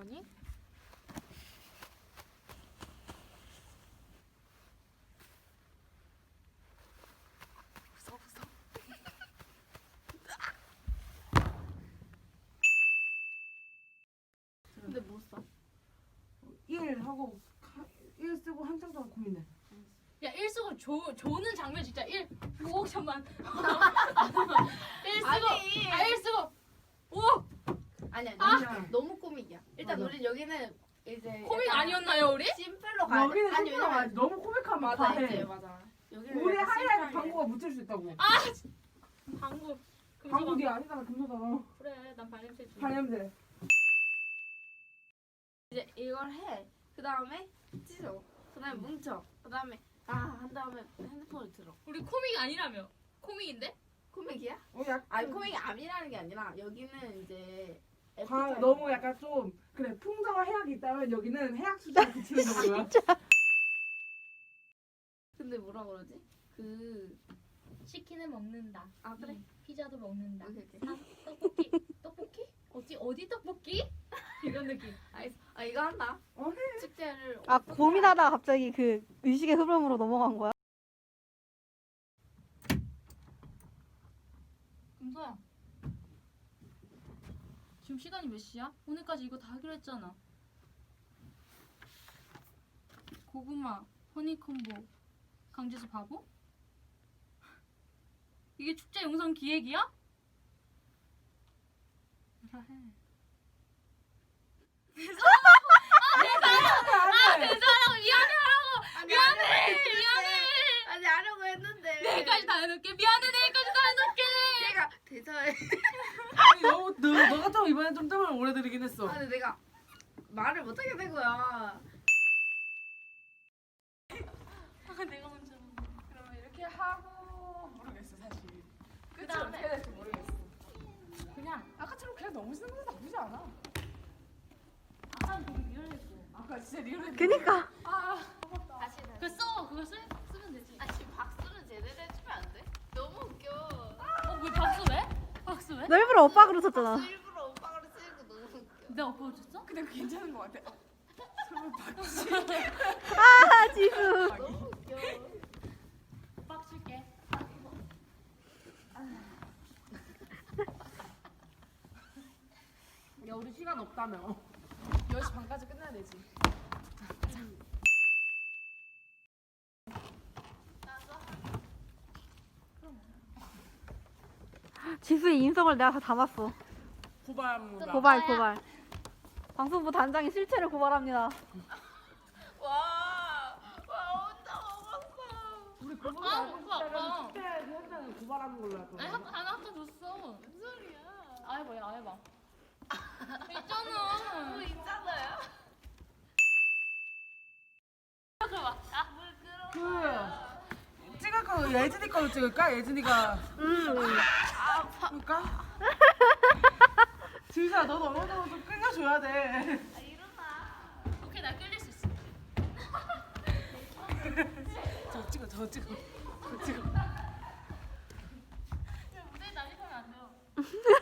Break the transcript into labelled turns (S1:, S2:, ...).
S1: 아니? 무서워. 근데 뭐 써?
S2: 1 하고 1 쓰고 한참 동안 고민해.
S1: 야, 1 쓰고 조는 장면 진짜 1 5억천만. 1 쓰고
S3: 아니.
S1: 1 쓰고 5.
S3: 아니야,
S2: 아니야.
S3: 너무 코믹이야. 일단
S2: 맞아.
S3: 우리 여기는 이제
S1: 코믹
S3: 약간
S1: 아니었나요, 우리?
S3: 심플로 가야 돼.
S2: 여기는
S3: 아니
S2: 심플하면
S3: 왜냐면
S2: 너무 코믹하면
S3: 맞아
S2: 과해.
S3: 이제 맞아. 여기는
S2: 우리
S3: 약간
S2: 하이라이트
S3: 심플하게.
S2: 방구가 묻힐 수 있다고.
S1: 방구.
S2: 방구 네 아니잖아, 금소잖아.
S1: 그래, 난 발냄새지.
S2: 발냄새.
S3: 이제 이걸 해. 그 다음에 찢어. 그 다음에 뭉쳐. 그 다음에 한 다음에 핸드폰을 들어.
S1: 우리 코믹 아니라며? 코믹인데?
S3: 코믹이야?
S2: 약
S3: 아니 코믹이 암이라는 게 아니라 여기는 이제
S2: 너무 약간 좀 그래 풍자와 해악이 있다면 여기는 해악 수준에 그치는 정도야.
S3: 근데 뭐라 그러지?
S1: 치킨을 먹는다.
S3: 아 그래?
S1: 피자도 먹는다.
S3: 오케이 오케이.
S1: 떡볶이? 어디 떡볶이? 이런 느낌.
S3: 알겠어. 아 이거 한다.
S2: 해.
S3: 축제를
S4: 아 고민하다가 갑자기 그 의식의 흐름으로 넘어간 거야?
S1: 금서야. 지금 시간이 몇 시야? 오늘까지 이거 다 하기로 했잖아. 고구마, 허니콤보, 강제수 바보? 이게 축제 영상 기획이야? 뭐라 해. 대사하라고 미안해.
S3: 아니 하려고 했는데
S1: 내일까지 다 해놓을게. 미안해, 내일까지 다 해놓을게.
S3: 내가 대사해.
S2: 아니 너 같으면 이번엔 좀 뜸을 오래 들이긴 했어.
S3: 아니 내가 말을 못하게 된 거야.
S1: 내가 먼저.
S2: 그러면 이렇게 하고 모르겠어 사실. 끝이
S1: 그다음에?
S2: 어떻게 될지 모르겠어.
S1: 그냥
S2: 아까처럼 그냥 너무 쓰는 거 나쁘지 않아.
S1: 아까는 되게 미안했어.
S2: 아까 진짜 리얼했는데.
S4: 그니까
S3: 다시.
S1: 그거 쓰면 되지.
S3: 아 지금 박수는 제대로 해주면 안 돼? 너무 웃겨.
S1: 왜 박수 왜? 박수 왜?
S4: 너 일부러 오빠 그러셨잖아.
S3: 박수 일부러 오빠가 쓰는 거 너무 웃겨.
S1: 내가 오빠 줬어?
S2: 근데 그거 괜찮은 거 같아. 설마 박씨.
S4: 아 지수.
S3: 너무 웃겨.
S1: 빡 줄게.
S2: 야 우리 시간 없다며. 10시 반까지 끝내야 되지.
S4: 지수의 인성을 내가 다 담았어.
S2: 고발합니다.
S4: 고발. 방송부 단장이 실체를 고발합니다.
S3: 와 혼자 먹었어.
S2: 우리 그거
S1: 아,
S2: 알고
S1: 그거 아까.
S2: 있다면 축제 현장을 고발하는 걸로 할 거야.
S1: 아니 하나 줬어.
S3: 무슨 소리야?
S1: 아 해봐.
S3: 뭐
S1: 있잖아.
S3: 있잖아요.
S2: 그 찍을 거 예진이 거로 찍을까? 예진이가 그럴까? 지수야 너도 어느 정도 좀 끌려줘야 돼.
S3: 아 일어나.
S1: 오케이, 나 끌릴 수 있어.
S2: 저 찍어.
S1: 무대에 난입하면 안 돼요.